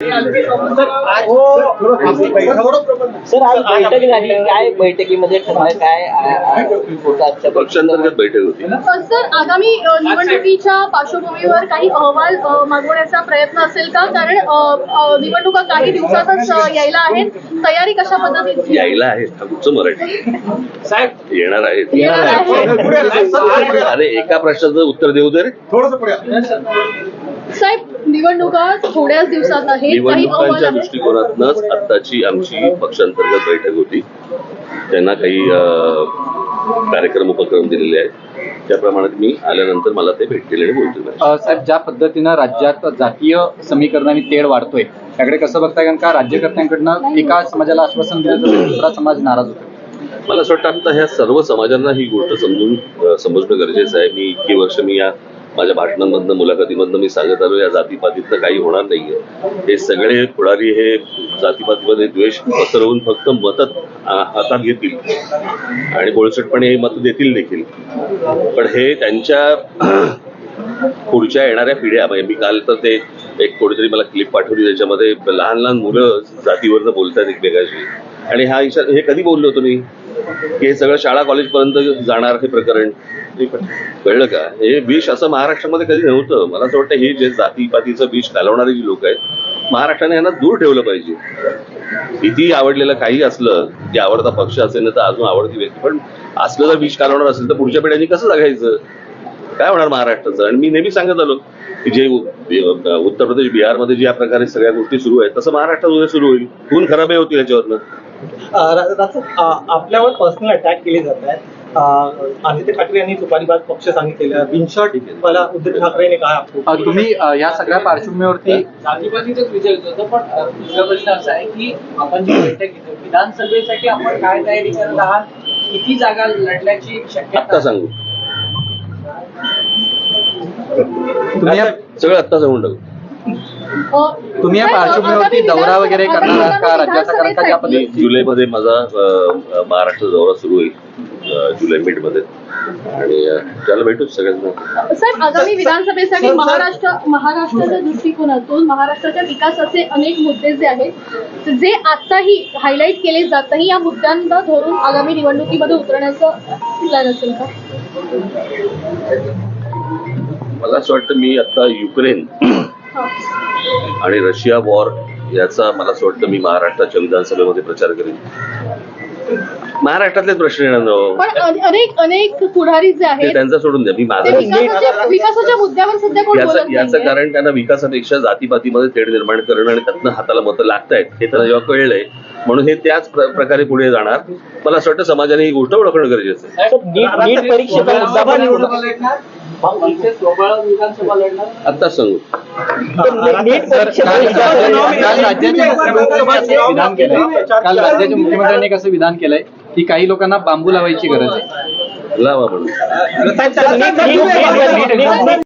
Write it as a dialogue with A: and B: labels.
A: Sir आज बैठक झाली, काय बैठकीमध्ये ठरलं, काय होतं आजच्या
B: पक्षांतर्गत बैठक होती.
C: सर आगामी निवडणुकीच्या पार्श्वभूमीवर काही अहवाल मागवण्याचा प्रयत्न असेल का? कारण निवडणुका काही दिवसातच यायला आहेत. तयारी कशा पद्धतीची
B: यायला आहेत? तुमचं मराठी
A: साहेब
B: येणार आहेत.
C: आहे?
B: अरे एका प्रश्नाचं उत्तर देऊ दे रे.
C: साहेब निवडणुका थोड्याच दिवसात आहेत, काही अहवाल
B: निवडणुकांच्या
C: आहेत.
B: दृष्टिकोनातूनच आत्ताची आमची पक्षांतर्गत बैठक होती. त्यांना काही कार्यक्रम उपक्रम दिलेले आहेत, त्याप्रमाणे मी आल्यानंतर मला ते भेटतील आणि बोलतील.
D: साहेब, ज्या पद्धतीनं राज्यात जातीय समीकरणाने तेढ वाढतोय त्याकडे कसं बघताय? कारण का राज्यकर्त्यांकडनं एका समाजाला आश्वासन दिलं तर दुसरा समाज नाराज होतो.
B: मला असं वाटतं आता ह्या सर्व समाजांना ही गोष्ट समजणं गरजेचं आहे. मी इतकी वर्ष या माझ्या भाषणांमधनं मुलाखतीमधनं मी सांगत आलो, या जातीपातीतनं काही होणार नाहीये. हे सगळे पुढारी हे जातीपातीमध्ये द्वेष पसरवून फक्त मतं हातात घेतील आणि बोळसटपणे हे मतं देतील देखील. पण हे त्यांच्या पुढच्या येणाऱ्या पिढ्या, म्हणजे मी काल तर ते एक कोणीतरी मला क्लिप पाठवली, त्याच्यामध्ये लहान लहान मुलं जातीवरनं बोलतात एकमेकाशी. आणि हे कधी बोललो होतो मी की हे सगळं शाळा कॉलेजपर्यंत जाणार हे प्रकरण, कळलं का? हे विष असं महाराष्ट्रामध्ये कधी नव्हतं. मला असं वाटतं हे जे जातीपातीचं विष घालवणारे जी लोक आहेत, महाराष्ट्राने यांना दूर ठेवलं पाहिजे. किती आवडलेलं काही असलं, की आवडता पक्ष असेल ना तर अजून आवडती व्यक्ती, पण असलं जर विष घालवणार असेल तर पुढच्या पिढ्यांनी कसं जगायचं? काय होणार महाराष्ट्राचं? आणि मी नेहमी सांगत आलो की जे उत्तर प्रदेश बिहारमध्ये ज्या प्रकारे सगळ्या गोष्टी सुरू आहेत तसं महाराष्ट्रात उद्या सुरू होईल. खून खराबही होतील याच्यावरनं.
E: आपल्यावर पर्सनल अटॅक केले जात आहेत. आदित्य ठाकरे यांनी तुपारीबाज पक्ष सांगितलेलं, बिनशॉट मला उद्धव ठाकरेने कहा.
D: तुम्ही या सगळ्या पार्श्वभूमीवरती
A: जातीपातीचाच विचार होतो. पण दुसरा प्रश्न असा आहे की आपण जी बैठक घेतो विधानसभेसाठी आपण काय तयारी करत आहात? किती जागा लढण्याची शक्यता?
B: आत्ता सांगू,
D: तुम्ही
B: सगळं आत्ता सांगून टाकू.
D: तुम्ही या पार्श्वभूमीवरती दौरा वगैरे करणार आहात का राज्याचा? कारण का ज्या पद्धतीने
B: जुलैमध्ये माझा महाराष्ट्र दौरा सुरू होईल, जुलै मिडमध्ये, आणि त्याला भेटू सगळ्यांना.
C: साहेब आगामी विधानसभेसाठी महाराष्ट्राच्या दृष्टिकोनातून महाराष्ट्राच्या विकासाचे अनेक मुद्दे जे आहेत, जे आताही हायलाईट केले जात नाही, या मुद्द्यांना धरून आगामी निवडणुकीमध्ये उतरण्याचं प्लॅन असेल का?
B: मला असं वाटतं मी आता युक्रेन आणि रशिया वॉर याचा मला असं वाटतं मी महाराष्ट्राच्या विधानसभेमध्ये प्रचार करेन. महाराष्ट्रातलेच प्रश्न येणार,
C: पण अनेक पुढारी जे आहेत
B: त्यांचा सोडून द्या. मी माझं
C: विकासाच्या मुद्द्यावर सध्या कोण बोलत
B: याचं
C: नाहीये.
B: कारण त्यांना विकासापेक्षा जातीपातीमध्ये तेढ निर्माण करणं आणि त्यातनं हाताला मतं लागतायत हे त्यांना जेव्हा कळलंय, म्हणून हे त्याच प्रकारे पुढे जाणार. मला असं वाटतं समाजाने ही गोष्ट ओळखणं गरजेचं आहे.
A: नीट परीक्षेचा मुद्दा विधानसभा लढणार
B: आत्ताच सांगू.
D: काल राज्याच्या मुख्यमंत्र्यांनी कसं विधान केलंय की काही लोकांना बांबू लावायची गरज आहे.
B: लावा म्हणून.